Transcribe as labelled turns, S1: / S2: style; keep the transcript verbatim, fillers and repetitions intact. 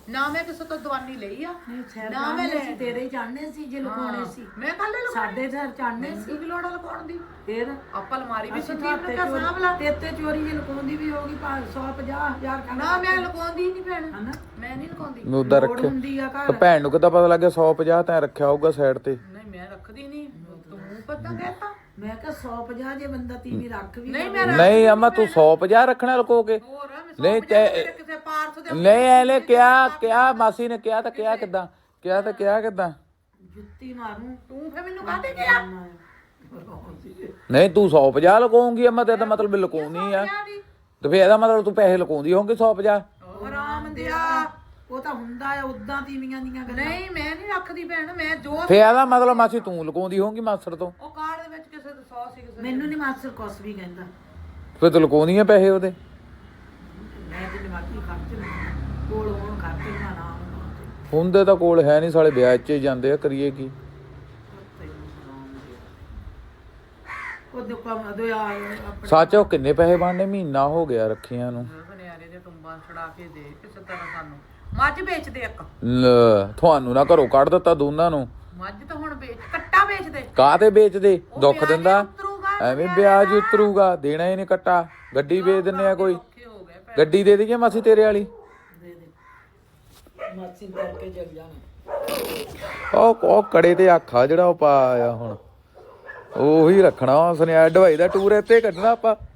S1: ਨਾ ਮੈਂ ਕਿਸੇ ਤੋਂ ਦਵਾਨੀ ਲਈ ਆ
S2: ਨਾ ਮੈਂ ਲੈ ਤੇਰੇ ਚਾਹਣੇ ਸੀ ਜੇ ਲੁਕਾਉਣੇ ਸੀ
S1: ਮੈਂ ਕੱਲ ਹੀ
S2: ਸਾਡੇ ਘਰ ਚਾਹਣੇ ਸੀ
S1: ਕੀ ਲੋੜ ਲੁਕਾਉਣ ਦੀ
S2: ਫੇਰ
S1: ਆਪਾਂ ਅਲਮਾਰੀ ਵੀ ਸਿੱਧੀ
S2: ਤੇ
S1: ਕਿਆ ਸਾਂਭ ਲਾ
S2: ਤੇ ਤੇ ਚੋਰੀ ਜੇ ਲੁਕਾਉਂਦੀ ਵੀ ਹੋਗੀ ਸੌ ਪੰਜਾਹ ਹਜ਼ਾਰ ਖਾਣਾ
S1: ਨਾ ਮੈਂ ਲੁਕਾਉਂਦੀ ਨਹੀਂ ਭੈਣ
S2: ਹਨਾ
S1: ਮੈਂ ਨਹੀਂ ਲੁਕਾਉਂਦੀ
S3: ਮੈਂ ਉਦਾਂ ਰੱਖਿਆ
S2: ਹੁੰਦੀ ਆ ਘਰ
S3: ਭੈਣ ਨੂੰ ਕਿੱਦਾਂ ਪਤਾ ਲੱਗਿਆ ਸੌ ਪੰਜਾਹ ਤਾਂ ਰੱਖਿਆ ਹੋਊਗਾ ਸਾਈਡ ਤੇ
S1: ਨਹੀਂ ਮੈਂ ਰੱਖਦੀ ਨਹੀਂ ਤੂੰ ਪਤਾ ਕਹਿਤਾ
S2: ਮੈਂ ਕਿਹਾ ਸੌ ਪੰਜਾਹ ਜੇ ਬੰਦਾ ਤੀਵੀਂ ਰੱਖ ਵੀ
S1: ਨਹੀਂ ਮੈਂ
S3: ਨਹੀਂ ਅਮਾ ਤੂੰ ਸੌ ਪੰਜਾਹ ਰੱਖਣਾ ਲੁਕੋ ਕੇ
S1: ਹੋਰ
S3: ਨਹੀਂ ਤੇ
S1: ਕਿਸੇ ਪਾਰਸ ਦੇ
S3: ਨਹੀਂ ਐਲੇ ਕਿਹਾ ਕਿਹਾ ਮਾਸੀ ਨੇ ਕਿਹਾ ਤਾਂ ਕਿਹਾ ਕਿੱਦਾਂ ਕਿਹਾ ਤਾਂ ਕਿਹਾ ਕਿੱਦਾਂ
S2: ਜੁੱਤੀ ਮਾਰੂ
S1: ਤੂੰ ਫੇ ਮੈਨੂੰ ਕਾਹਦੇ ਗਿਆ
S3: ਨਹੀਂ ਤੂੰ ਸੌ ਪੰਜਾਹ ਲੁਕਾਉਂਗੀ ਅਮਾ ਤੇ ਇਹਦਾ ਮਤਲਬ ਲੁਕਾਉਣੀ ਆ ਤੇ ਫੇਰ ਇਹਦਾ ਮਤਲਬ ਤੂੰ ਪੈਸੇ ਲੁਕਾਉਂਦੀ ਹੋਂਗੀ ਸੌ ਪੰਜਾਹ
S1: ਆਰਾਮ ਦਿਆ
S2: ਉਹ ਤਾਂ ਹੁੰਦਾ ਆ ਉਦਾਂ ਤੀਵੀਆਂ ਦੀਆਂ ਗੱਲਾਂ
S1: ਨਹੀਂ ਮੈਂ ਨਹੀਂ ਰੱਖਦੀ ਭੈਣ ਮੈਂ ਜੋ
S3: ਫੇਰ ਇਹਦਾ ਮਤਲਬ ਮਾਸੀ ਤੂੰ ਲੁਕਾਉਂਦੀ ਹੋਂਗੀ ਮਾਸੜ ਤੋਂ
S1: ਉਹ ਕਾਰਡ ਦੇ ਵਿੱਚ ਕਿਸੇ ਦੇ ਸੌ ਸੀ ਕਿਸੇ
S2: ਮੈਨੂੰ ਨਹੀਂ ਮਾਸਟਰ ਕੁਛ ਵੀ ਕਹਿੰਦਾ
S3: ਫੇਰ ਤੂੰ ਲੁਕਾਉਂਦੀ ਆ ਪੈਸੇ ਉਹਦੇ
S2: ਮੈਂ ਤੇ ਦਿਮਾਗੀ ਖਰਚ ਕੋਲ ਹੋਣ ਖਰਚ ਨਾ ਨਾ
S3: ਹੁੰਦੇ ਤਾਂ ਕੋਲ ਹੈ ਨਹੀਂ ਸਾਲੇ ਵਿਆਹ 'ਚ ਹੀ ਜਾਂਦੇ ਆ ਕਰੀਏ ਕੀ
S2: ਉਹ ਦੁਕਾਨ ਦੋ ਆ
S3: ਸੱਚ ਉਹ ਕਿੰਨੇ ਪੈਸੇ ਬਣਨੇ ਮਹੀਨਾ ਹੋ ਗਿਆ ਰੱਖੀਆਂ ਨੂੰ
S1: ਬਨਿਆਰੇ ਦੇ ਟੁੰਬਾਂ ਛੜਾ ਕੇ ਦੇ ਕਿਸੇ ਤਰ੍ਹਾਂ ਸਾਨੂੰ ਮੱਝ ਵੇਚਦੇ ਇੱਕ
S3: ਲੈ, ਤੁਹਾਨੂੰ ਨਾ ਘਰੋਂ ਕੱਢ ਦਿੱਤਾ ਦੋਨਾਂ ਨੂੰ
S1: ਮੱਝ ਤਾਂ ਹੁਣ ਵੇਚ ਕੱਟਾ ਵੇਚਦੇ
S3: ਕਾਹਤੇ ਵੇਚਦੇ ਦੁੱਖ ਦਿੰਦਾ
S1: ਉਤਰੂਗਾ
S3: ਐਵੇਂ ਵਿਆਜ ਉਤਰੂਗਾ ਦੇਣਾ ਹੀ ਨਹੀਂ ਕੱਟਾ ਗੱਡੀ ਵੇਚ ਦਿੰਨੇ ਆ ਕੋਈ
S1: ਔਖੇ ਹੋ ਗਏ ਭੈਣ।
S3: ਗੱਡੀ ਦੇ ਦਈਏ ਮਾਸੀ ਤੇਰੇ ਵਾਲੀ
S2: ਦੇ ਦੇ ਮਾਸੀ ਕਰਕੇ ਜਗ ਜਾਣਾ
S3: ਉਹ ਉਹ ਕੜੇ ਤੇ ਆਖਾ ਜਿਹੜਾ ਉਹ ਪਾਇਆ ਹੁਣ ਉਹੀ ਰੱਖਣਾ ਸੁਨਿਆਰ ਢਵਾਈ ਦਾ ਟੂਰ ਇੱਥੇ ਕੱਢਣਾ ਆਪਾਂ